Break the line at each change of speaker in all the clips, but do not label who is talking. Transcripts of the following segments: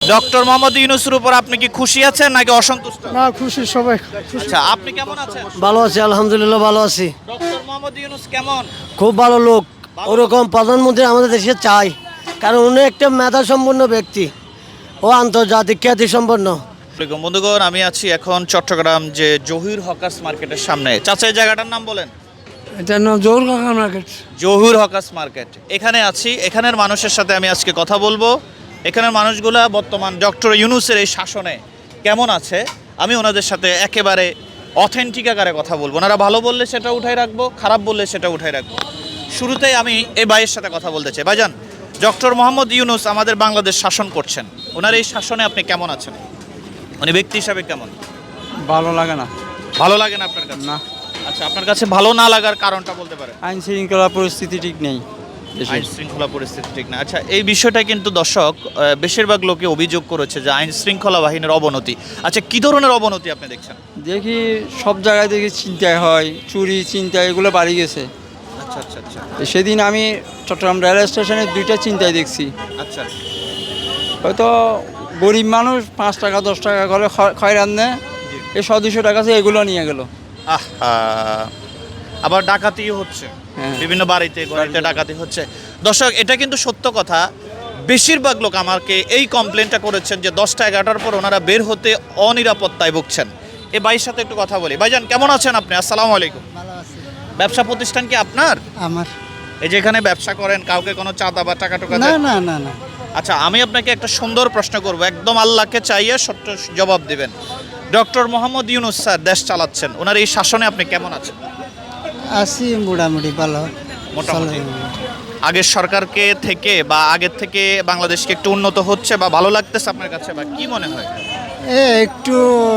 Doctor Mohammad ইউনূসের উপর আপনি কি খুশি আছেন নাকি অসন্তুষ্ট?
না, খুশি সবাই।
আচ্ছা, আপনি কেমন আছেন?
ভালো আছি, আলহামদুলিল্লাহ ভালো আছি।
ডক্টর মোহাম্মদ ইউনূস কেমন?
খুব ভালো লোক। ওরকম প্রধানমন্ত্রী আমাদের দেশে চাই, কারণ উনি একটা মেধা সম্পন্ন ব্যক্তি ও আন্তর্জাতিক খ্যাতি সম্পন্ন।
আসসালামু বন্ধুগণ, আমি আছি এখন চট্টগ্রাম যে জহির হকার্স মার্কেটের সামনে। চাচা, এই জায়গাটার নাম বলেন।
এটার নাম জহুর কাকা মার্কেট।
জহুর হকার্স মার্কেট, এখানে আছি। এখানের মানুষের সাথে আমি আজকে কথা বলবো। এখানের মানুষগুলা বর্তমান ডক্টর ইউনূসের এই শাসনে কেমন আছে আমি ওনাদের সাথে একেবারে অথেন্টিক আকারে কথা বলবো। ওনারা ভালো বললে সেটা উঠাই রাখবো, খারাপ বললে সেটা উঠাই রাখবো। শুরুতেই আমি এই ভাইয়ের সাথে কথা বলতে চাই। ভাইজান, ডক্টর মোহাম্মদ ইউনূস আমাদের বাংলাদেশ শাসন করছেন, ওনার এই শাসনে আপনি কেমন আছেন? উনি ব্যক্তি হিসাবে কেমন?
ভালো লাগে না।
ভালো লাগে না আপনার কাছে?
না।
আচ্ছা, আপনার কাছে ভালো না লাগার কারণটা বলতে পারেন?
আইন শৃঙ্খলা পরিস্থিতি ঠিক নেই।
আইন শৃঙ্খলা পরিস্থিতি ঠিক না। আচ্ছা, এই বিষয়টা কিন্তু দর্শক বেশিরভাগ লোকে অভিযোগ করেছে যে আইন শৃঙ্খলা বাহিনীর অবনতি। আচ্ছা, কি ধরনের অবনতি আপনি দেখছেন?
দেখি সব জায়গায় দেখি চিন্তায় হয়, চুরি চিন্তা এগুলো বাড়ি গেছে।
আচ্ছা আচ্ছা আচ্ছা
সেদিন আমি চট্টগ্রাম রেলওয়ে স্টেশনে 2টা চিন্তায় দেখছি।
আচ্ছা
হয়তো গরিব মানুষ 5 টাকা 10 টাকা করে খয়রান নেয়, এই 100-200 টাকা আছে এগুলো নিয়ে গেল।
আহা, আবার ডাকাতিও হচ্ছে।
হ্যাঁ।
বিভিন্ন বাড়িতে ডাকাতি হচ্ছে। দর্শক, এটা কিন্তু সত্য কথা। বেশিরভাগ লোক আমাকে এই কমপ্লেনটা করেছেন যে 10টা 11টার পর ওনারা বের হতে অনিরাপত্তায় ভুগছেন। এই ভাইয়ের সাথে একটু কথা বলি। ভাইজান, কেমন আছেন আপনি? আসসালামু আলাইকুম।
ভালো আছি।
ব্যবসা প্রতিষ্ঠান কি আপনার?
আমার
এই যে এখানে ব্যবসা করেন, কাউকে কোনো চাঁদা বা টাকা টুকা
না
দেন?
না না না
আচ্ছা, আমি আপনাকে একটা সুন্দর প্রশ্ন করব, একদম আল্লাহকে চাইয়ে সত্য জবাব দিবেন। ডক্টর মোহাম্মদ ইউনূস স্যার দেশ চালাচ্ছেন, ওনার এই শাসনে আপনি কেমন আছেন?
আছি মোটামুটি ভালো।
মোটামুটি।
চলে।
আগের সরকারকে থেকে বা আগের থেকে বাংলাদেশকে একটু উন্নত হচ্ছে বা ভালো লাগতেছে আপনার কাছে, বা কি মনে হয়?
একটু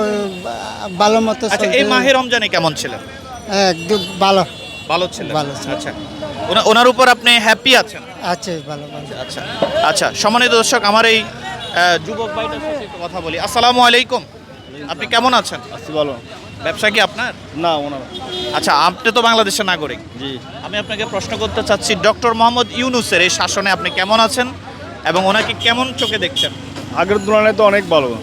ভালো মতো
আচ্ছা, এই মাহে রমজানে কেমন ছিলেন?
একদম ভালো
ভালো ছিলেন।
ভালো ছিলেন।
আচ্ছা, ওনার উপর আপনি হ্যাপি আছেন?
আছে, ভালো ভালো।
আচ্ছা আচ্ছা, সম্মানিত দর্শক, আমার এই যুবক ভাইটার সাথে একটু কথা বলি। আসসালামু আলাইকুম, আপনি কেমন আছেন?
আছি ভালো।
ব্যবসা কি আপনার?
না, ওনার।
আচ্ছা, আপনি তো বাংলাদেশের নাগরিক।
জি।
আমি আপনাকে প্রশ্ন করতে চাচ্ছি, ডক্টর মোহাম্মদ ইউনূসের এই শাসনে আপনি কেমন আছেন এবং ওনাকে কেমন চোখে দেখছেন?
আগের তুলনায় তো অনেক ভালো।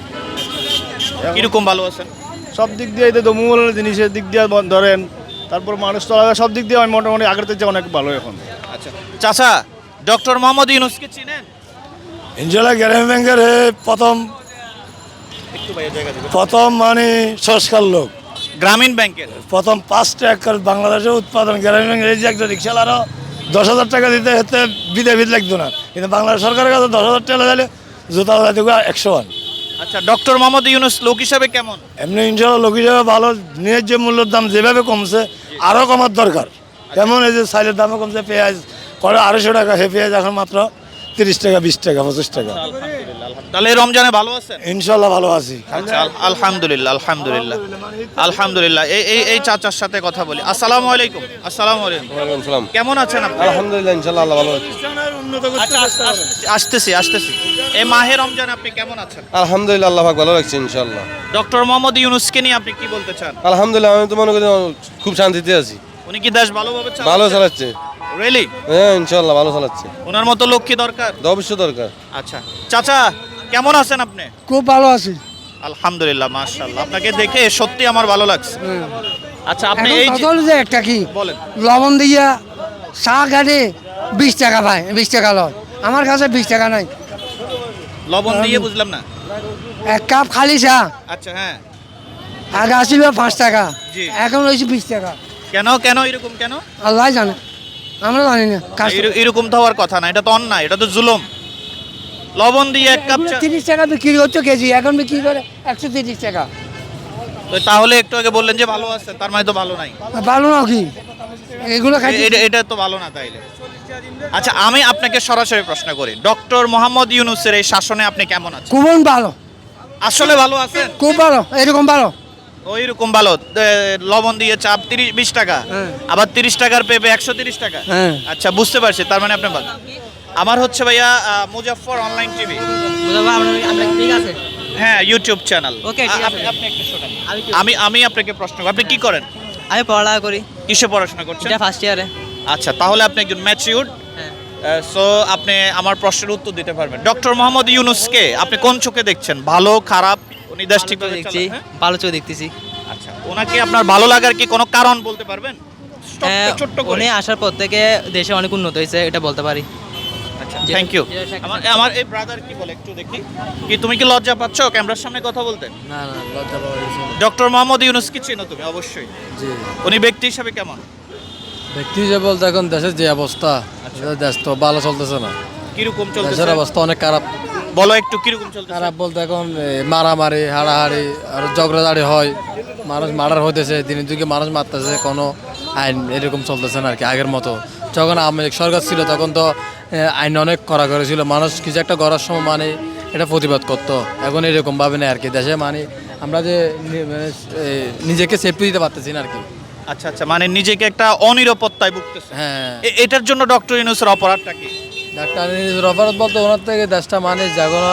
কিরকম ভালো আছেন?
সব দিক দিয়ে এই তো মূল জিনিসের দিক দিয়ে ধরেন, তারপর মানুষ চলাফেরা সব দিক দিয়ে আমি মোটামুটি আগের থেকে অনেক ভালো এখন।
আচ্ছা চাচা, ডক্টর মোহাম্মদ ইউনূসকে চিনেন?
ইনশাল্লাহ গ্রামীণ ব্যাংকের
একটু বাইরে জায়গা দিবেন।
প্রথম মানে সংস্কার লোক,
গ্রামীণ ব্যাংকের
প্রথম 5টা একর বাংলাদেশের উৎপাদন গ্রামীণ ব্যাংকের। এই যে একটা রিক্সালারও 10,000 টাকা দিতে হতে বিধে লাগতো না, কিন্তু বাংলাদেশ সরকারের কাছে 10,000 টাকা দিলে জুতা দেবো 101।
আচ্ছা, ডক্টর মোহাম্মদ ইউনূস লোক হিসাবে কেমন?
এমনি ইনশাল্লাহ লোক হিসাবে ভালো। ন্যায্য মূল্যের দাম যেভাবে কমছে আরও কমার দরকার। যেমন এই যে চাইলের দামও কমছে, পেঁয়াজ করে 250 টাকা, সে পেঁয়াজ এখন মাত্র 30 টাকা, 20 টাকা, 25 টাকা।
তাহলে এই রমজানে ভালো আছেন?
ইনশাল্লাহ ভালো আছি।
আচ্ছা, আলহামদুলিল্লাহ আলহামদুলিল্লাহ আলহামদুলিল্লাহ। এই চাচার সাথে কথা বলি। আসসালামু আলাইকুম। আসসালামু আলাইকুম।
ওয়ালাইকুম সালাম।
কেমন আছেন আপনি?
আলহামদুলিল্লাহ, ইনশাল্লাহ আল্লাহ ভালো আছে।
আচ্ছা, আসতেছি। এই মাহে রমজানে আপনি কেমন আছেন?
আলহামদুলিল্লাহ, আল্লাহ পাক ভালো লাগছে ইনশাল্লাহ।
ডক্টর মোহাম্মদ ইউনূসকে নিয়ে আপনি কি বলতে চান?
আলহামদুলিল্লাহ, আমি তো মনে করি খুব শান্তিতে আছি।
উনি কি দেশ ভালোভাবে
ভালো চালাচ্ছে।
রিয়েলি?
হ্যাঁ, ইনশাল্লাহ ভালো চালাচ্ছে।
ওনার মতো লোক কি দরকার?
অবশ্যই দরকার।
আচ্ছা চাচা, কেমন আছেন আপনি?
খুব ভালো আছি।
আলহামদুলিল্লাহ, মাশাআল্লাহ, আপনাকে দেখে সত্যি আমার ভালো লাগছে। আচ্ছা, আপনি এই যে
যে একটা কি
বলেন।
লবণ দিয়া চা গাড়ি 20 টাকা পায়, 20 টাকা লয়। আমার কাছে 20 টাকা নাই।
লবণ দিয়ে বুঝলাম না।
1 কাপ খালি চা
আচ্ছা, হ্যাঁ।
আগে আসিল 5 টাকা,
জি।
এখন হয়েছে 20 টাকা।
কেন এরকম কেন?
আল্লাহ জানে, আমরা জানি না।
এরকম তো হওয়ার কথা না, এটা তো অন্যায়, এটা তো জুলুম। লবণ দিয়ে 1 কাপ চা,
30 টাকা বিক্রি হচ্ছে কেজি, এখন বিক্রি করে 130 টাকা।
তো তাহলে একটু আগে বললেন যে ভালো আছে, তার মানে তো ভালো নাই।
ভালো না কি এগুলো খাই?
এটা তো ভালো না তাইলে। আচ্ছা, আমি আপনাকে সরাসরি প্রশ্ন করি, ডক্টর মোহাম্মদ ইউনূসের এই শাসনে আপনি কেমন আছেন?
খুব ভালো,
আসলে ভালো আছেন?
খুব ভালো, এরকম ভালো।
ওইরকম ভালো। লবণ দিয়ে চা 20 টাকা,
হ্যাঁ।
আবার 30 টাকার পেঁপে 130 টাকা।
হ্যাঁ।
আচ্ছা, বুঝতে পারছি, তার মানে আপনি ভালো। আমার হচ্ছে ভাইয়া মুজাফফর অনলাইন টিভি।
ঠিক আছে।
হ্যাঁ, ইউটিউব চ্যানেল।
ওকে, ঠিক আছে।
আপনি একটু শোনেন। আমি আপনাকে প্রশ্ন করব, আপনি কি করেন?
আমি পড়ালেখা করি,
কিসে পড়াশোনা করছেন?
এটা ফার্স্ট ইয়ারে।
আচ্ছা, তাহলে আপনি একজন ম্যাচিউরড
হ্যাঁ।
সো আপনি আমার প্রশ্নের উত্তর দিতে পারবেন। ডক্টর মোহাম্মদ ইউনূসকে আপনি কোন চোখে দেখছেন, ভালো খারাপ? উনি দেশ ঠিকভাবে
দেখছি,
চালান, হ্যাঁ?
ভালো চোখ দেখতেছি।
আচ্ছা, ওনাকে আপনার ভালো লাগার কি কোনো কারণ বলতে পারবেন?
হ্যাঁ,
ছোট্ট করে।
উনি আসার পর থেকে দেশে অনেক উন্নত হয়েছে, এটা বলতে পারি।
আচ্ছা, থ্যাংক ইউ। আমার এই ব্রাদার কি বলে একটু দেখি। কি তুমি কি লজ্জা পাচ্ছ ক্যামেরার সামনে কথা বলতে?
না না লজ্জা পাওয়া গেছে
ডক্টর মোহাম্মদ ইউনূস কি চেনো তুমি? অবশ্যই।
জি
উনি ব্যক্তি হিসাবে কেমন?
ব্যক্তি হিসেবে বলতে এখন দেশের যে অবস্থা, দেশ তো ভালো চলতেছে না।
কিরকম চলতেছে?
দেশের অবস্থা অনেক খারাপ।
বলো একটু কিরকম চলতেছে?
খারাপ বলতে এখন মারামারি, হাড়াহাড়ি আর ঝগড়াঝাড়ি হয়, মানুষ মার্ডার হইতেছে, দিনের যুগে মানুষ মারতেছে, কোনো আইন এরকম চলতেছে না আর কি আগের মতো। যখন আওয়ামী লীগ সরকার ছিল তখন তো আইন অনেক কড়াকড়ি ছিল, মানুষ কিছু একটা করার সময় মানে এটা প্রতিবাদ করতো। এখন এরকম ভাবে না আর কি দেশে, মানে আমরা যে নিজেকে সেফটি দিতে পারতেছি না আর কি।
আচ্ছা আচ্ছা, মানে নিজেকে একটা অনিরাপত্তায় ভুগতেছে।
হ্যাঁ,
এটার জন্য ডক্টর ইউনূসের অপরাধটা কি?
ডাক্তার নিজের অপরাধ বলতে ওনার থেকে দেশটা মানে জাগোনা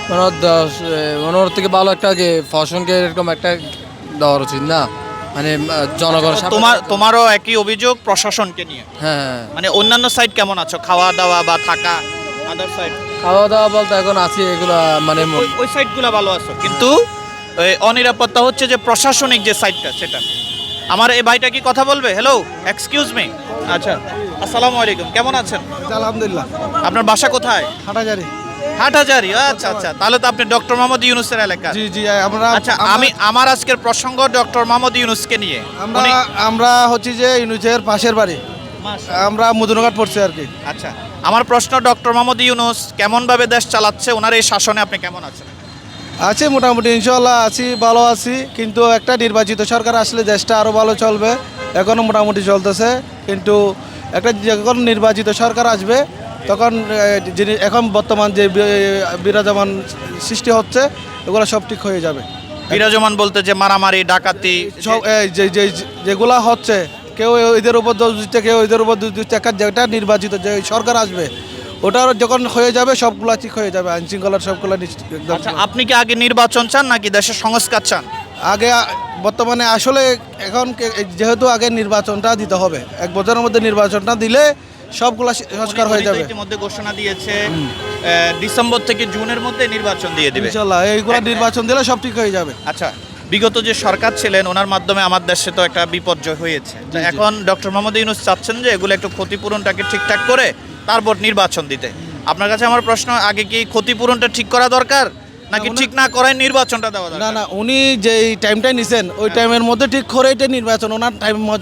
ওনার থেকে ভালো একটা ফসনকে এরকম একটা দেওয়ার উচিত না, মানে জনগণ
তোমারও একই অভিযোগ প্রশাসনকে নিয়ে?
হ্যাঁ,
মানে অন্যান্য সাইড কেমন আছো, খাওয়া দাওয়া বা থাকা, আদার সাইড?
খাওয়া দাওয়া বলতে এখন আছি এগুলা মানে
ওই সাইডগুলো ভালো আছো, কিন্তু ওই অনিরাপত্তা হচ্ছে যে প্রশাসনিক যে সাইডটা সেটা। আমার এই ভাইটা কি কথা বলবে? Hello, excuse me. আচ্ছা, আসসালামু আলাইকুম, কেমন আছেন?
আলহামদুলিল্লাহ।
আপনার বাসা কোথায়?
হাটাজারি।
হাটহাজারী। আচ্ছা আচ্ছা, তাহলে তো আপনি ডক্টর মোহাম্মদ ইউনূসের এলাকা।
জি জি, আমরা
আচ্ছা, আমার আজকের প্রসঙ্গ ডক্টর মোহাম্মদ ইউনূসকে নিয়ে।
আমরা হচ্ছে যে ইউনুসের পাশের বাড়ি, আমরা মদুনঘাট পড়ছি আর কি।
আচ্ছা, আমার প্রশ্ন, ডক্টর মোহাম্মদ ইউনূস কেমনভাবে দেশ চালাচ্ছে, ওনার এই শাসনে আপনি কেমন আছেন?
আছি মোটামুটি, ইনশাল্লাহ আছি, ভালো আছি। কিন্তু একটা নির্বাচিত সরকার আসলে দেশটা আরও ভালো চলবে। এখনও মোটামুটি চলতেছে, কিন্তু একটা যখন নির্বাচিত সরকার আসবে তখন যিনি এখন বর্তমান যে বিরাজমান সৃষ্টি হচ্ছে এগুলো সব ঠিক হয়ে যাবে।
বিরাজমান বলতে যে মারামারি, ডাকাতি,
সব যেগুলা হচ্ছে, কেউ এদের উপর দোষ দিচ্ছে, কেউ এদের উপর দোষ দিচ্ছে। যেটা নির্বাচিত যে সরকার আসবে ওটার যখন হয়ে যাবে সবগুলা ঠিক হয়ে যাবে, আইন শৃঙ্খলার সবগুলা একদম।
আচ্ছা, আপনি কি আগে নির্বাচন চান নাকি দেশের সংস্কার চান?
আগে বর্তমানে আসলে এখন যেহেতু আগে নির্বাচনটা দিতে হবে, 1 বছরের মধ্যে নির্বাচনটা দিলে সবগুলা সংস্কার হয়ে যাবে।
ইতিমধ্যে ঘোষণা দিয়েছে ডিসেম্বর থেকে জুনের মধ্যে নির্বাচন দিয়ে দিবে
ইনশাআল্লাহ এইগুলা নির্বাচন দিলে সব ঠিক হয়ে যাবে।
আচ্ছা, বিগত যে সরকার ছিলেন ওনার মাধ্যমে আমার দেশে তো একটা বিপর্যয় হয়েছে। তো এখন ডক্টর মোহাম্মদ ইউনূস চাচ্ছেন যে এগুলো একটু ক্ষতিপূরণটাকে ঠিকঠাক করে তারপর নির্বাচন দিতে। আপনার কাছে আমার প্রশ্ন, আগে কি ক্ষতিপূরণটা ঠিক করা দরকার নাকি ঠিক না করায় নির্বাচনটা দেওয়া
না
দরকার?
না, উনি যে টাইমটা নিছেন ওই টাইমের মধ্যে ঠিক করে এটা নির্বাচন, ওনার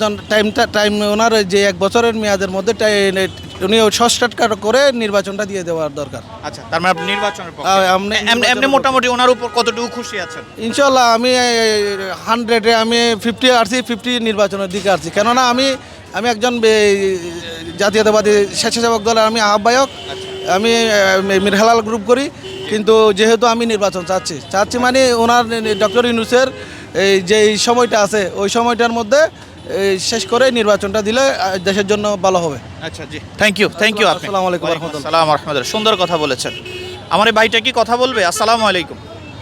টাইম ওনার যে 1 বছরের মেয়াদের মধ্যে উনি শর্টকাট করে নির্বাচনটা দিয়ে দেওয়ার দরকার।
আচ্ছা, তার মানে আপনি নির্বাচনের পক্ষে। এমনি
নির্বাচনের
মোটামুটি ওনার উপর কতটুকু খুশি আছেন?
ইনশাল্লাহ আমি 100-এ আমি 50 আসছি, 50 নির্বাচনের দিকে আসছি। কেননা আমি একজন জাতীয়তাবাদী স্বেচ্ছাসেবক দলের আমি আহ্বায়ক, আমি মিরহালাল গ্রুপ করি। কিন্তু যেহেতু আমি নির্বাচন চাচ্ছি মানে ওনার ডক্টর ইউনূসের এই যে সময়টা আছে ওই সময়টার মধ্যে শেষ করে নির্বাচনটা দিলে দেশের জন্য ভালো হবে।
আচ্ছা জি, থ্যাংক ইউ আপনি।
আসসালামু আলাইকুম ওয়া রাহমাতুল্লাহ।
আসসালামু আলাইকুম ওয়া রাহমাতুল্লাহ। সুন্দর কথা বলেছেন। আমার এই ভাইটা কি কথা বলবে? আসসালামু আলাইকুম।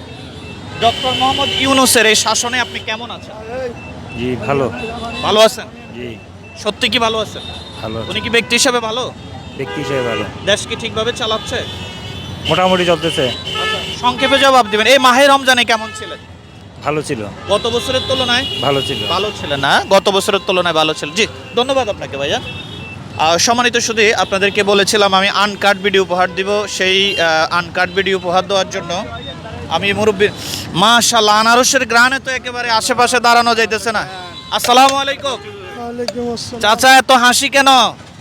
ডক্টর মোহাম্মদ ইউনূসের এই শাসনে আপনি কেমন আছেন?
জি ভালো।
ভালো আছেন?
জি
সত্যি কি ভালো আছেন?
ভালো।
উনি কি ব্যক্তি হিসেবে ভালো?
ব্যক্তি হিসেবে ভালো,
দেশ কি ঠিকভাবে চালাচ্ছে?
মোটামুটি চলতেছে।
আচ্ছা, সংক্ষেপে জবাব দিবেন। এই মাহে রমজানে কেমন ছিলেন?
ভালো ছিল।
গত বছরের তুলনায়
ভালো ছিল।
ভালো ছিলেন না? গত বছরের তুলনায় ভালো ছিল। জি, ধন্যবাদ আপনাকে ভাইয়া। সম্মানিত শুধু আপনাদেরকে বলেছিলাম আমি আনকাট ভিডিও উপহার দিব। সেই আনকাট ভিডিও উপহার দেওয়ার জন্য আমি মুরব্বীর মাশাআল্লাহ আনারসের গ্রানে তো একেবারে আশেপাশে দাঁড়ানো যাইতেছে না। আসসালামু আলাইকুম।
ওয়ালাইকুম আসসালাম।
চাচা এত হাসি কেন?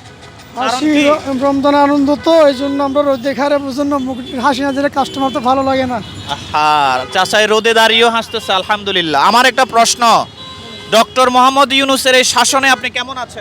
হাসি রমজান আনন্দ তো, এই জন্য আমরা রোদ দেখার জন্য হাসি না দিলে কাস্টমার তো ভালো লাগে না।
হ্যাঁ, চাচাই রোদে দাঁড়িয়েও হাসতেছে, আলহামদুলিল্লাহ। আমার একটা প্রশ্ন, ডক্টর মোহাম্মদ ইউনূসের এই শাসনে আপনি কেমন আছেন?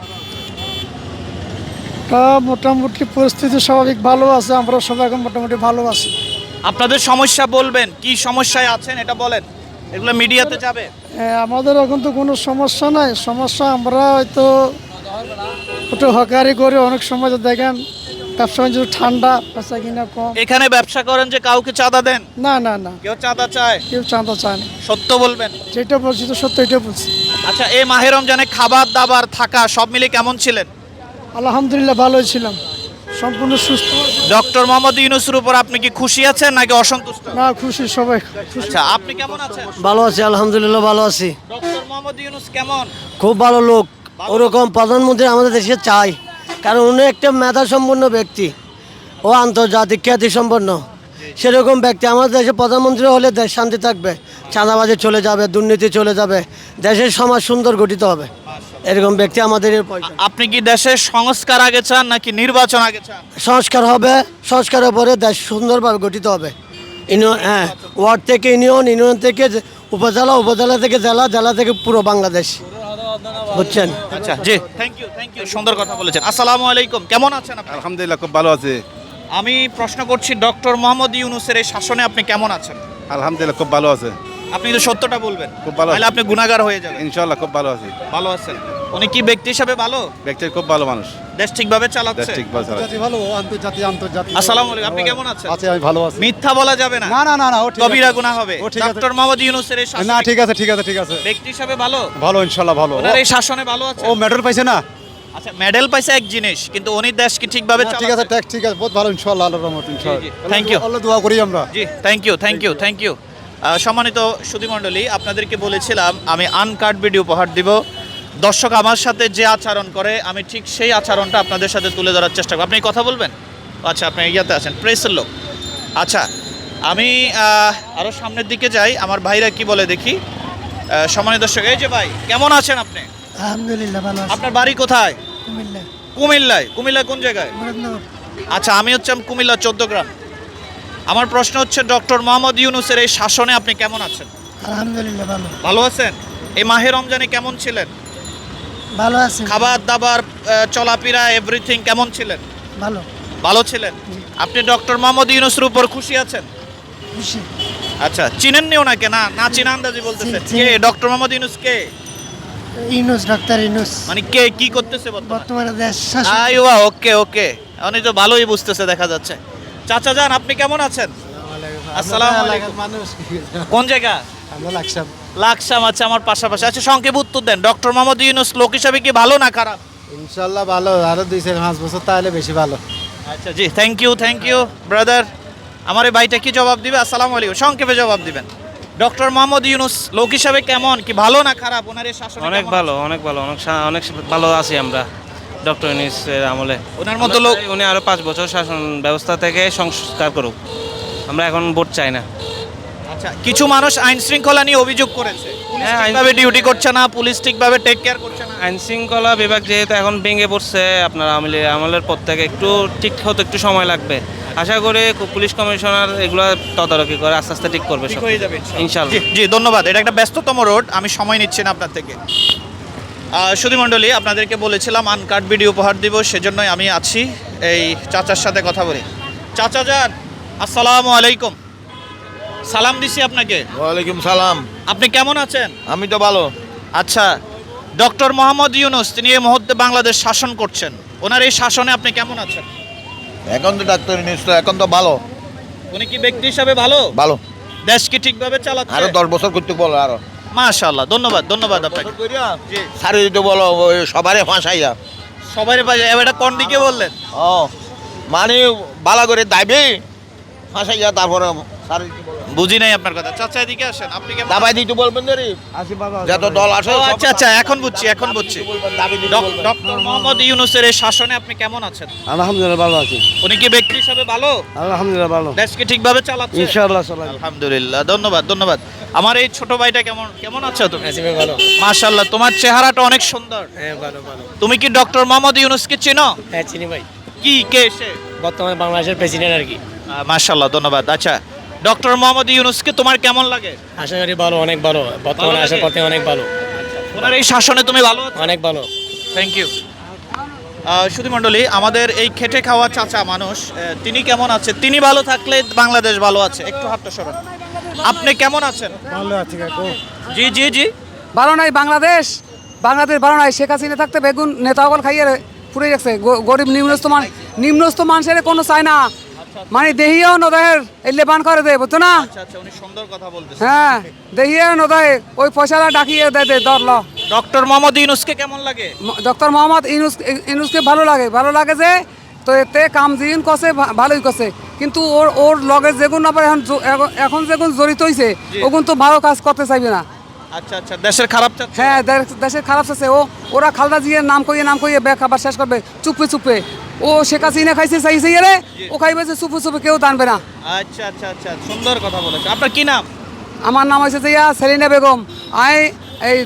মোটামুটি পরিস্থিতি স্বাভাবিক ভালো আছে, আমরা সবাই এখন মোটামুটি ভালো আছি।
আপনাদের সমস্যা বলবেন, কি সমস্যায় আছেন এটা বলেন, এগুলো মিডিয়াতে যাবে।
আমাদের এখন তো কোনো সমস্যা নাই। সমস্যা আমরা হয়তো একটু হকারি করে অনেক সময় তো দেখেন ব্যবসা বাণিজ্য ঠান্ডা, বেচা কিনা কম।
এখানে ব্যবসা করেন যে কাউকে চাঁদা দেন?
না না না,
কেউ চাঁদা চায়?
কেউ চাঁদা চায় না।
সত্য বলবেন।
যেটা বলছি তো সত্য, এটা বলছি।
আচ্ছা, এই মাহে রমজানে খাবার দাবার থাকা সব মিলে কেমন ছিলেন?
আলহামদুলিল্লাহ ভালোই ছিলাম। সম্পূর্ণ সুস্থ
ডক্টর মোহাম্মদ ইউনূসের উপর আপনি কি খুশি আছেন নাকি অসন্তুষ্ট?
না, খুশি সবাই খুশি।
আচ্ছা, আপনি কেমন আছেন?
ভালো আছি, আলহামদুলিল্লাহ ভালো আছি।
ডক্টর মোহাম্মদ ইউনূস কেমন?
খুব ভালো লোক, ওরকম প্রধানমন্ত্রী আমাদের দেশে চাই, কারণ উনি একটা মেধা সম্পন্ন ব্যক্তি, ও আন্তর্জাতিক খ্যাতি সম্পন্ন সেরকম ব্যক্তি। আমাদের দেশে প্রধানমন্ত্রী হলে দেশ শান্তি থাকবে, চাঁদাবাজি চলে যাবে, দুর্নীতি চলে যাবে, দেশের সমাজ সুন্দর গঠিত হবে। এরকম ব্যক্তি আমাদের এর প্রয়োজন।
আপনি কি দেশের সংস্কার আগে চান নাকি নির্বাচন আগে চান?
সংস্কার হবে, সংস্কারের পরে দেশ সুন্দরভাবে গঠিত হবে। হ্যাঁ, ওয়ার্ড থেকে ইউনিয়ন, ইউনিয়ন থেকে উপজেলা, উপজেলা থেকে জেলা, জেলা থেকে পুরো বাংলাদেশ, বুঝছেন?
আচ্ছা, জি, থ্যাংক ইউ, সুন্দর কথা বলেছেন। আসসালামু আলাইকুম, কেমন আছেন আপনি?
আলহামদুলিল্লাহ খুব ভালো আছে।
আমি প্রশ্ন করছি, ডক্টর মোহাম্মদ ইউনূসের এই শাসনে আপনি কেমন আছেন?
আলহামদুলিল্লাহ খুব ভালো আছে।
আপনি তো সত্যটা বলবেন,
খুব ভালো
নাহলে আপনি গুনাহগার হয়ে যাবেন।
ইনশাআল্লাহ খুব ভালো আছে।
ভালো আছেন? উনি কি ব্যক্তি হিসাবে ভালো?
ব্যক্তি খুব ভালো মানুষ,
দেশ ঠিকভাবে চালাচ্ছে?
ঠিকভাবে চালাচ্ছে।
ভালো, আন্তর্জাতিক।
আসসালামু আলাইকুম, আপনি কেমন আছেন?
আছি, আমি ভালো আছি।
মিথ্যা বলা যাবে না,
না না না না, ও ঠিক আছে।
কবিরা গুনাহ হবে।
ও ঠিক আছে।
ডক্টর মোহাম্মদ ইউনূসের এই শাসনে
না, ঠিক আছে ঠিক আছে ঠিক আছে,
ব্যক্তি হিসাবে ভালো?
ভালো ইনশাআল্লাহ ভালো।
ওনার এই শাসনে ভালো আছে?
ও মেডেল পাইছে না?
আচ্ছা, মেডেল পাইছে এক জিনিস, কিন্তু উনি দেশ কি ঠিকভাবে
না, ঠিক আছে,
চালাচ্ছে?
ঠিক আছে, বহুত ভালো ইনশাআল্লাহ, আল্লাহর রহমত ইনশাআল্লাহ।
Thank you.
আল্লাহ দোয়া করি আমরা।
জি, থ্যাংক ইউ। সম্মানিত সুধীমণ্ডলী, আপনাদেরকে বলেছিলাম আমি আনকাট ভিডিও উপহার দিব। দর্শক আমার সাথে যে আচরণ করে আমি ঠিক সেই আচরণটা আপনাদের সাথে তুলে ধরার চেষ্টা করব। আপনি কথা বলবেন? আচ্ছা, আপনি ইয়াতে আছেন, প্রেসের লোক। আচ্ছা, আমি আরও সামনের দিকে যাই, আমার ভাইরা কি বলে দেখি। সম্মানিত দর্শক, এই যে ভাই, কেমন আছেন আপনি?
আলহামদুলিল্লাহ ভালো
আপনার বাড়ি কোথায়?
কুমিল্লা,
কুমিল্লায়। কুমিল্লায় কোন জায়গায়? আচ্ছা, আমি হচ্ছে কুমিল্লা 14 গ্রাম। আমার প্রশ্ন হচ্ছে, ডক্টর মোহাম্মদ ইউনূসের এই শাসনে আপনি কেমন আছেন?
আলহামদুলিল্লাহ ভালো,
ভালো আছেন? এই মাহে রমজানে কেমন ছিলেন?
ভালো আছে,
খাবার দাবার, চলাফেরা, এভরিথিং কেমন ছিলেন?
ভালো,
ভালো ছিলেন। আপনি ডক্টর মোহাম্মদ ইউনূসের উপর খুশি আছেন?
খুশি।
আচ্ছা, চিনেননি ওনাকে? না না চিনা আন্দাজি বলতেছেন। কে ডক্টর মোহাম্মদ ইউনূস? কে
ইউনূস, ডাক্তার ইউনূস
মানে কে কি করতেছে বর্তমানে?
বর্তমানে দেশ
আইওয়া, ওকে, উনি তো ভালোই বুঝতেছে দেখা যাচ্ছে। চাচা যান, আপনি কেমন আছেন? আসসালামু আলাইকুম। কোন জায়গা?
আমরা লাগছাম।
লাকসাম। আচ্ছা, আমার পাশাপাশি। আচ্ছা, সংক্ষেপ উত্তর দেন, ডক্টর মোহাম্মদ ইউনূস লোক হিসাবে কি ভালো না খারাপ?
ইনশাআল্লাহ ভালো, আরো 2-5 বছর তাহলে বেশি ভালো।
আচ্ছা, জি, থ্যাংক ইউ ব্রাদার। আমার এই ভাইটা কি জবাব দিবে? আসসালামু আলাইকুম, সংক্ষেপে জবাব দিবেন। ডক্টর মোহাম্মদ ইউনূস লোক হিসাবে কেমন, কি ভালো না খারাপ? ওনার এই শাসন
অনেক ভালো, অনেক ভালো আছি আমরা ডক্টর ইউনূসের আমলে।
ওনার মতো লোক।
উনি আরো 5 বছর শাসন ব্যবস্থা থেকে সংস্কার করুক, আমরা এখন ভোট চাই না।
আচ্ছা, কিছু মানুষ আইন শৃঙ্খলা নিয়ে অভিযোগ করেছে, পুলিশ
হ্যাঁ,
ঠিকভাবে ডিউটি করছে না, পুলিশ ঠিকভাবে টেক কেয়ার করছে না।
আইন শৃঙ্খলা বিভাগ যেহেতু এখন ভেঙে পড়ছে, আপনার আমলের পর থেকে একটু ঠিক হতে একটু সময় লাগবে। আশা করি পুলিশ কমিশনার এগুলো তদারকি করে আস্তে আস্তে ঠিক করবে
ঠিক
সব।
হয়ে যাবে
ইনশাআল্লাহ।
জি, ধন্যবাদ। এটা একটা ব্যস্ততম রোড, আমি সময় নিচ্ছি না আপনার থেকে। সুধীমণ্ডলী, আপনাদেরকে বলেছিলাম আনকাট ভিডিও উপহার দিব, সেজন্যই আমি আছি। এই চাচার সাথে কথা বলি। চাচা যান, আসসালামু আলাইকুম। সালাম দিছি আপনাকে।
ওয়ালাইকুম সালাম।
আপনি কেমন আছেন?
আমি তো ভালো।
আচ্ছা, ডক্টর মোহাম্মদ ইউনূস তিনি এই মুহূর্তে বাংলাদেশ শাসন করছেন, ওনার এই শাসনে আপনি কেমন আছেন?
এখন তো ডাক্তার ইউনূস এখন তো ভালো,
উনি কি ব্যক্তি হিসাবে ভালো?
ভালো।
দেশ কি ঠিকভাবে চালাচ্ছে?
10 বছর করতে বলো আরো।
মাশাআল্লাহ, ধন্যবাদ আপনাকে। জি,
সারি দিতে বলো, সবারে ফাঁসাইয়া।
সবাই পাশে এটা কোন দিকে বললেন?
ও মানে বালা করে দাবি ফাঁসাইয়া, তারপরে সারি দিতে বলো।
বুঝি নাই আপনার কথা। চাচা এদিকে আসেন, আপনি কেমন?
দাবাই দিতে বলবেন রে, যত দল আসে।
ও আচ্ছা, এখন বুঝছি। ডক্টর মোহাম্মদ ইউনূসের এই শাসনে আপনি কেমন আছেন?
আলহামদুলিল্লাহ ভালো আছি,
উনি কি ব্যক্তি হিসাবে ভালো?
আলহামদুলিল্লাহ ভালো,
দেশ কি ঠিকভাবে চালাচ্ছে?
ইনশাআল্লাহ চলে।
আলহামদুলিল্লাহ, ধন্যবাদ। আমার এই ছোট ভাইটা কেমন আছো তুমি? মাশাআল্লাহ, তোমার চেহারাটা অনেক সুন্দর।
হ্যাঁ, ভালো।
তুমি কি ডক্টর মোহাম্মদ ইউনূসকে চেনো?
হ্যাঁ, চিনি ভাই,
কে সে?
বর্তমানে বাংলাদেশের প্রেসিডেন্ট আর কি।
মাশাআল্লাহ, ধন্যবাদ। আচ্ছা, ডক্টর মোহাম্মদ ইউনূসকে তোমার কেমন লাগে?
আশা করি ভালো, অনেক ভালো, বর্তমানে আসার পথে অনেক ভালো,
ওনার এই শাসনে তুমি ভালো আছো?
অনেক ভালো।
Thank you. সুধীমণ্ডলী, আমাদের এই খেটে খাওয়া চাচা মানুষ, তিনি কেমন আছে? তিনি ভালো থাকলে বাংলাদেশ ভালো আছে। একটু হাতটা সরান। আপনি কেমন আছেন?
ভালো আছি কাকু।
জি।
ভালো নাই বাংলাদেশ ভালো নাই। শেখ হাসিনা থাকতে বেগুন নেতাগল খাইয়ে পুড়ে গেছে। গরিব নিম্নস্থ মানুষের কোনো চায় না, মানে দেহিও নদয়ের লেবান করে দেয়, বুঝছো না?
আচ্ছা, উনি সুন্দর কথা বলতেছেন।
হ্যাঁ, দেহিও নদয় ওই পয়সাটা ডাকিয়ে দেয় ধরল।
ডক্টর মোহাম্মদ ইউনূসকে কেমন লাগে?
ডক্টর মোহাম্মদ ইউনূসকে ভালো লাগে যে তো এতে কাম জিন কষে ভালোই কষে, কিন্তু ওর ওর লগের যেগুন আবার এখন যেগুন জড়িত হয়েছে ওগুন তো ভালো কাজ করতে চাইবে না।
আচ্ছা আচ্ছা, দেশের খারাপ চাচ্ছে।
হ্যাঁ, দেশের খারাপ আছে। ওরা খালদা জিয়ার নাম কইয়ে ব্যাগ খাবার শেষ করবে চুপে চুপে। ও শেখ হাসিনা খাইছে চাইছে রে, ও খাইবে যে চুপে চুপে, কেউ টানবে না।
আচ্ছা আচ্ছা আচ্ছা, সুন্দর কথা বলেছে। আপনার কি নাম?
আমার নাম হয়েছে যে সেলিনা বেগম। আই এই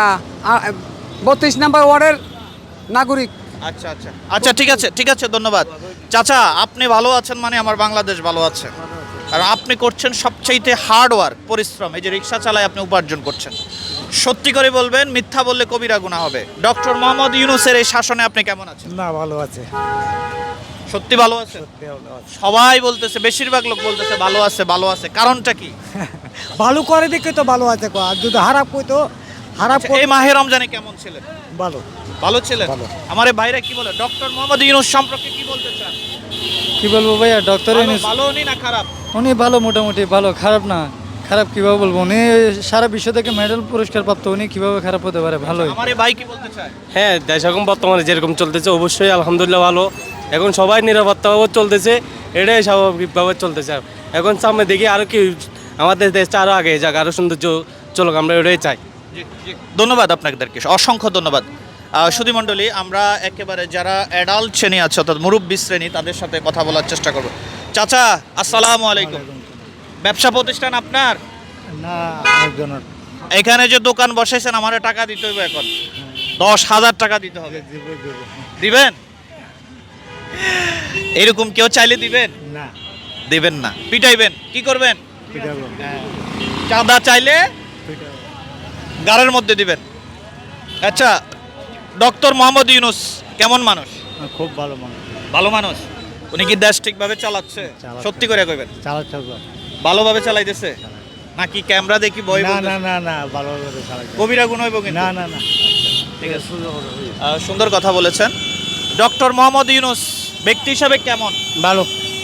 32 নম্বর ওয়ার্ডের নাগরিক।
আচ্ছা আচ্ছা আচ্ছা, ঠিক আছে ঠিক আছে, ধন্যবাদ। চাচা, আপনি ভালো আছেন মানে আমার বাংলাদেশ ভালো আছে, কারণ আপনি করছেন সবচাইতে হার্ড ওয়ার্ক, পরিশ্রম। এই যে রিক্সা চালায় আপনি উপার্জন করছেন। সত্যি করে বলবেন, মিথ্যা বললে কবিরা গুনাহ হবে। ডক্টর মোহাম্মদ ইউনূসের এই শাসনে আপনি কেমন আছেন?
না, ভালো আছে।
সত্যি ভালো আছে? সবাই বলতেছে, বেশিরভাগ লোক বলতেছে ভালো আছে ভালো আছে, কারণটা কি?
ভালো করে দেখে তো ভালো আছে, আর যদি খারাপ কইতো খারাপ।
আচ্ছা, এই মাহে রমজানে কেমন ছিলেন?
ভালো।
ভালো ছিলেন? আমার এই ভাইরা কি বলে ডক্টর মোহাম্মদ ইউনূস সম্পর্কে কি বলতে চান?
কি বলবো ভাইয়া, ডক্টর
ভালো উনি না খারাপ?
উনি ভালো, মোটামুটি ভালো, খারাপ না। খারাপ কিভাবে বলবো, উনি সারা বিশ্ব থেকে মেডেল পুরস্কার প্রাপ্ত, উনি কিভাবে খারাপ হতে পারে? ভালোই।
আমার এই ভাই কি বলতে চায়?
হ্যাঁ, দেশ এখন বর্তমানে যেরকম চলতেছে অবশ্যই আলহামদুলিল্লাহ ভালো। এখন সবাই নিরাপত্তাভাবে চলতেছে, এটাই স্বাভাবিকভাবে চলতেছে। এখন সামনে দেখি আরও কি আমাদের দেশটা আরও আগে যাক, আরও সৌন্দর্য চলুক, আমরা এটাই চাই।
ধন্যবাদ আপনাদেরকে, অসংখ্য ধন্যবাদ। সুধীমণ্ডলী, আমরা একেবারে যারা অ্যাডাল্ট শ্রেণী আছে অর্থাৎ মুরব্বী শ্রেণী, তাদের সাথে কথা বলার চেষ্টা করব। চাচা, আসসালামু আলাইকুম। ব্যবসা প্রতিষ্ঠান আপনার?
না, একজনের।
এখানে যে দোকান বসাইছেন, আমারে টাকা দিতে হবে এখন 10,000 টাকা দিতে হবে। দিবেন? এরকম কেউ চাইলে দিবেন
না,
দিবেন না, পিটাইবেন? কি করবেন? চাঁদা চাইলে গাড়ের মধ্যে দিবেন। আচ্ছা, ডক্টর মোহাম্মদ ইউনূস কেমন মানুষ?
খুব ভালো মানুষ।
ভালো মানুষ। উনি কি দেশ ঠিকভাবে চালাচ্ছে? সত্যি করে কইবেন।
চালাচ্ছে
ভালোভাবে চালাইতেছে নাকি ক্যামেরা দেখি বই?
না না না, ভালোভাবে চালাচ্ছে।
কবিরা গুণ হইব কিন্তু?
না না না,
ঠিক আছে, সুন্দর কথা বলেছেন। ডক্টর মোহাম্মদ ইউনূস ব্যক্তি হিসাবে কেমন?
ভালো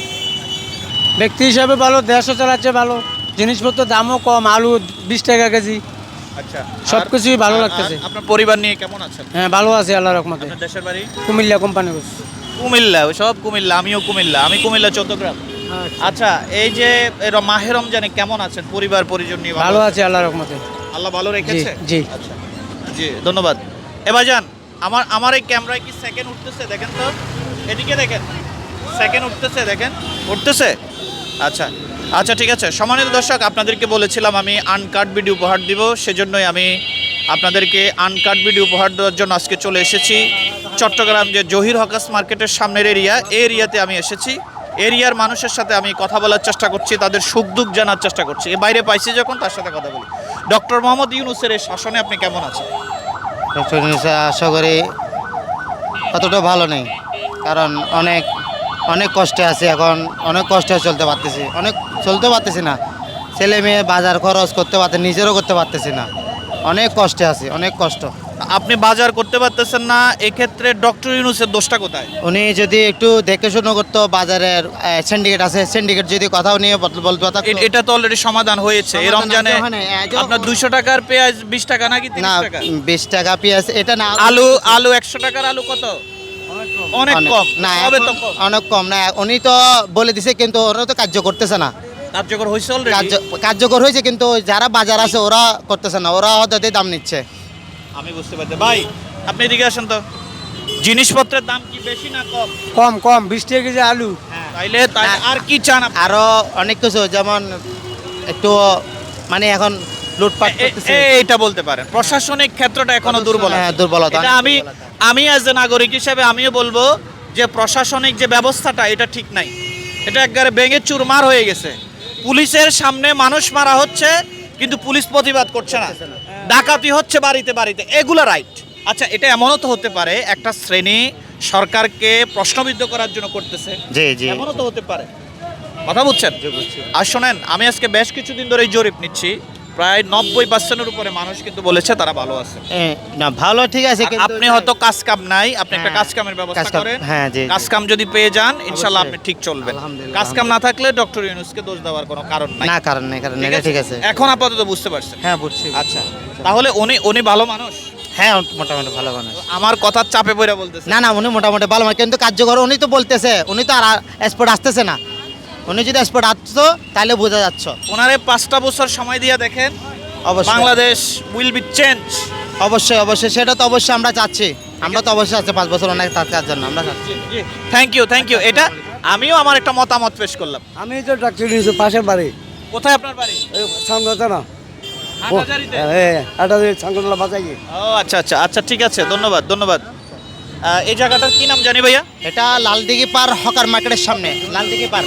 ব্যক্তি হিসাবে ভালো, দেশও চালাচ্ছে ভালো, জিনিসপত্র দামও কম, আলু 20 টাকা কেজি।
আচ্ছা,
সবকিছুই ভালো লাগতেছে।
আপনার পরিবার নিয়ে কেমন আছেন?
হ্যাঁ, ভালো আছে আল্লাহর রহমতে।
আপনার দেশের বাড়ি?
কুমিল্লা কোম্পানি।
কুমিল্লা? সব কুমিল্লা, আমিও কুমিল্লা। আমি কুমিল্লা চৌদ্দগ্রাম। আচ্ছা, এই যে মাহে রমজানে কেমন আছেন? পরিবার পরিজন নিয়ে
ভালো আছে আল্লাহর রহমতে।
আল্লাহ ভালো রেখেছে?
জি।
আচ্ছা জি, ধন্যবাদ। ভাইজান, আমার এই ক্যামেরায় কি সেকেন্ড উঠতেছে? দেখেন তো, এদিকে দেখেন, সেকেন্ড উঠতেছে, দেখেন উঠতেছে। আচ্ছা আচ্ছা, ঠিক আছে। সম্মানিত দর্শক, আপনাদেরকে বলেছিলাম আমি আনকাট ভিডিও উপহার দিব, সেজন্যই আমি আপনাদেরকে আনকাট ভিডিও উপহার দেওয়ার জন্য আজকে চলে এসেছি চট্টগ্রাম যে জহির হকাস মার্কেটের সামনের এরিয়া, এই এরিয়াতে আমি এসেছি। এরিয়ার মানুষের সাথে আমি কথা বলার চেষ্টা করছি, তাদের সুখ দুঃখ জানার চেষ্টা করছি। এ বাইরে পাইছি যখন, তার সাথে কথা বলি। ডক্টর মোহাম্মদ ইউনূসের এই শাসনে আপনি কেমন আছেন?
ডক্টর ইউনূস আশা করি অতটা ভালো নেই, কারণ অনেক কষ্টে আছে এখন, অনেক কষ্টে চলতে পারতেছি না। ছেলে মেয়ে বাজার খরচ করতে পারতে, নিজেরও করতে পারতেছি না, অনেক কষ্টে আছি, অনেক কষ্ট।
আপনি বাজার করতে পারতেছেন না, এক্ষেত্রে ডক্টর ইউনূসের দোষটা কোথায়?
উনি যদি একটু দেখে শুনে করতো, বাজারের সিন্ডিকেট আছে, সিন্ডিকেট যদি কথাও নিয়ে বলতে পারতো।
এটা তো অলরেডি সমাধান হয়েছে এই রমজানে। আপনার 200 টাকার পেঁয়াজ 20 টাকা নাকি 30 টাকা?
20 টাকা পেঁয়াজ, এটা না।
আলু 100 টাকার আলু কত? অনেক কম।
না,
হবে তো কম।
অনেক কম না। উনি তো বলে দিছে, কিন্তু ওরা তো কার্য করতেছে না।
কার্যকর হয়েছে অলরেডি?
কার্যকর হয়েছে, কিন্তু যারা বাজার আছে ওরা করতেছে না, ওরা হঠাৎ দাম নিচ্ছে।
আমি বুঝতে পারছি। ভাই, আপনি এদিকে আসেন তো। জিনিসপত্রের দাম কি বেশি না কম?
কম 20 টাকা কেজি আলু।
তাইলে আর কি চান আপনি?
আরো অনেক কিছু, যেমন একটু মানে এখন লুটপাট করতেছে।
এইটা বলতে পারেন প্রশাসনিক ক্ষেত্রটা এখনো দুর্বল।
হ্যাঁ, দুর্বলতা।
এটা আমি অ্যাজ এ নাগরিক হিসেবে আমিও বলবো যে প্রশাসনিক যে ব্যবস্থাটা, এটা ঠিক নাই। এটা একবারে ভেঙে চুরমার হয়ে গেছে। পুলিশের সামনে মানুষ মারা হচ্ছে, কিন্তু পুলিশ প্রতিবাদ করছে না। ডাকাতি হচ্ছে বাড়িতে বাড়িতে, এগুলো রাইট। আচ্ছা, এটা এমনও তো হতে পারে একটা শ্রেণী সরকারকে প্রশ্নবিদ্ধ করার জন্য করতেছে।
জি জি,
এমনও তো হতে পারে। কথা বুঝছেন? আর শোনেন, আমি আজকে বেশ কিছুদিন ধরে জরিপ নিচ্ছি, প্রায় 90% উপরে মানুষ কিন্তু বলেছে তারা ভালো আছে।
না, ভালো ঠিক আছে, কিন্তু
আপনি হয়তো কাজ কাম নাই, আপনি একটা কাজ কামের ব্যবস্থা করেন।
হ্যাঁ, জি।
কাজ কাম যদি পেয়ে যান, ইনশাআল্লাহ আপনি ঠিক চলবেন।
আলহামদুলিল্লাহ।
কাজ কাম না থাকলে ডক্টর ইউনূসকে দোষ দেওয়ার কোনো কারণ নাই।
না, কারণ নেই, ঠিক আছে।
এখন আপাতত বুঝতে পারছেন?
হ্যাঁ, বুঝছি।
আচ্ছা, তাহলে উনি ভালো মানুষ?
হ্যাঁ মোটামুটি ভালো মানুষ।
আমার কথার চাপে পড়ে বলতেছে।
না না উনি মোটামুটি ভালো মানুষ, কিন্তু কার্যকর উনি তো বলতেছে, উনি তো আর স্পট আসতেছে না। উনি যদি স্পট আসতো তাহলে বোঝা যাচ্ছে।
ওনারে 5টা বছর সময় দিয়ে দেখেন,
অবশ্যই
বাংলাদেশ উইল বি চেঞ্জ।
অবশ্যই অবশ্যই, সেটা তো অবশ্যই আমরা চাচ্ছি। আমরা তো অবশ্যই আছে 5 বছর অনেক তার জন্য আমরা চাচ্ছি।
Thank you. এটা আমিও আমার একটা মতামত পেশ করলাম।
আমি তো ডাক্তার ইউনুসের পাশের বাড়ি
কোথায় আপনার বাড়ি?
সামনে না
হাটহাজারীতে?
এটা সাংগঠনলা বাঁচাই।
ও আচ্ছা, ঠিক আছে, ধন্যবাদ। এই জায়গাটার কি নাম জানি ভাইয়া?
এটা লালদিঘি পার হকার মার্কেটের সামনে। লালদিঘি পার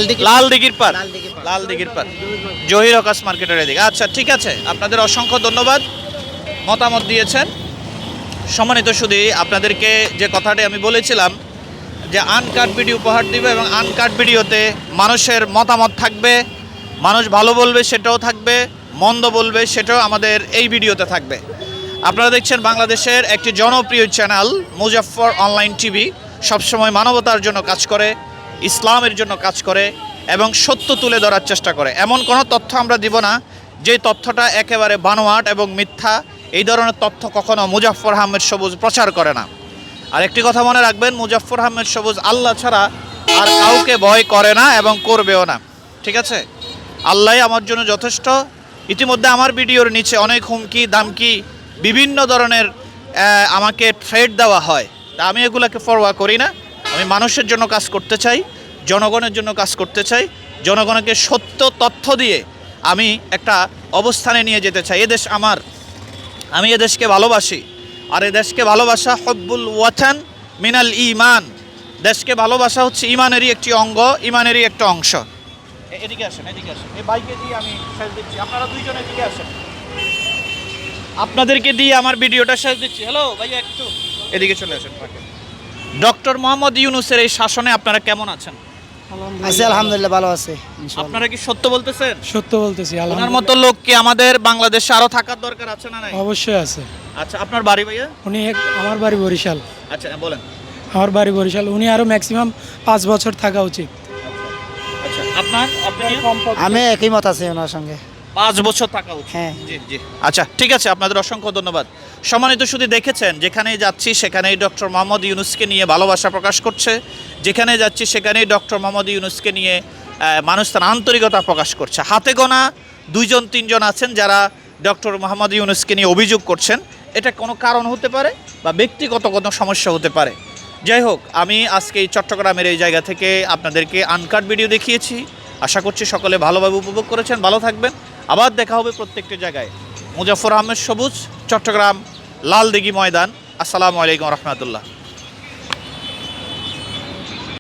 লালদিঘির পার জহির হকাস মার্কেটের এদিকে। আচ্ছা ঠিক আছে, আপনাদের অসংখ্য ধন্যবাদ, মতামত দিয়েছেন। সম্মানিত শুধু আপনাদেরকে যে কথাটি আমি বলেছিলাম যে আনকাট ভিডিও উপহার দিবে এবং আনকাট ভিডিওতে মানুষের মতামত থাকবে, মানুষ ভালো বলবে সেটাও থাকবে, মন্দ বলবে সেটাও আমাদের এই ভিডিওতে থাকবে। আপনারা দেখছেন বাংলাদেশের একটি জনপ্রিয় চ্যানেল মুজাফফর অনলাইন টিভি, সবসময় মানবতার জন্য কাজ করে, ইসলামের জন্য কাজ করে এবং সত্য তুলে ধরার চেষ্টা করে। এমন কোনো তথ্য আমরা দিব না যে তথ্যটা একেবারে বানোয়াট এবং মিথ্যা। এই ধরনের তথ্য কখনো মুজাফফর আহমেদ সবুজ প্রচার করে না। আর একটি কথা মনে রাখবেন, মুজাফফর আহমেদ সবুজ আল্লাহ ছাড়া আর কাউকে ভয় করে না এবং করবেও না। ঠিক আছে, আল্লাহই আমার জন্য যথেষ্ট। ইতিমধ্যে আমার ভিডিওর নিচে অনেক হুমকি দামকি বিভিন্ন ধরনের আমাকে থ্রেট দেওয়া হয়, তা আমি এগুলোকে পরোয়া করি না। আমি মানুষের জন্য কাজ করতে চাই, জনগণের জন্য কাজ করতে চাই, জনগণকে সত্য তথ্য দিয়ে আমি একটা অবস্থানে নিয়ে যেতে চাই। এদেশ আমার, আমি এদেশকে ভালোবাসি। আর এ দেশকে ভালোবাসা হব্বুল ওয়াতান মিনাল ঈমান। দেশকে ভালোবাসা হচ্ছে ঈমানেরই একটি অঙ্গ, ঈমানেরই একটা অংশ। এদিকে আসেন। এই বাইকে দিয়ে আমি শেষ দিচ্ছি, আপনারা দুইজন এদিকে আসেন। আপনাদেরকে দিয়ে আমার ভিডিওটা শেষ দিচ্ছি। হ্যালো ভাইয়া, একটু এদিকে চলে আসেন। ডক্টর মোহাম্মদ ইউনূসের এই শাসনে আপনারা কেমন আছেন?
আছি আলহামদুলিল্লাহ, ভালো আছে।
আপনারা কি সত্য বলতেছেন?
সত্য বলতেছি।
ওনার মতো লোক কি আমাদের বাংলাদেশে আরো থাকার দরকার আছে না নাই?
অবশ্যই আছে।
আচ্ছা, আপনার বাড়ি ভাইয়া?
উনি আমার বাড়ি বরিশাল।
আচ্ছা বলেন।
আমার বাড়ি বরিশাল। উনি আরো ম্যাক্সিমাম 5 বছর থাকা উচিত।
আচ্ছা, আপনার
আমি একই মত আছি ওনার সঙ্গে।
5 বছর থাকা উচিত।
হ্যাঁ
জি। আচ্ছা ঠিক আছে, আপনাদের অসংখ্য ধন্যবাদ। সম্মানিত শুধু দেখেছেন, যেখানেই যাচ্ছি সেখানেই ডক্টর মোহাম্মদ ইউনূসকে নিয়ে ভালোবাসা প্রকাশ করছে, যেখানে যাচ্ছি সেখানেই ডক্টর মোহাম্মদ ইউনূসকে নিয়ে মানুষ তার আন্তরিকতা প্রকাশ করছে। হাতে গোনা 2-3 আছেন যারা ডক্টর মোহাম্মদ ইউনূসকে নিয়ে অভিযোগ করছেন। এটা কোনো কারণ হতে পারে বা ব্যক্তিগত কোনো সমস্যা হতে পারে। যাই হোক, আমি আজকে এই চট্টগ্রামের এই জায়গা থেকে আপনাদেরকে আনকাট ভিডিও দেখিয়েছি। আশা করছি সকলে ভালোভাবে উপভোগ করেছেন। ভালো থাকবেন, আবার দেখা হবে প্রত্যেকটি জায়গায়। মুজাফফর আহমেদ সবুজ, চট্টগ্রাম, লালদিঘি ময়দান। আসসালামু আলাইকুম রহমতুল্লাহ।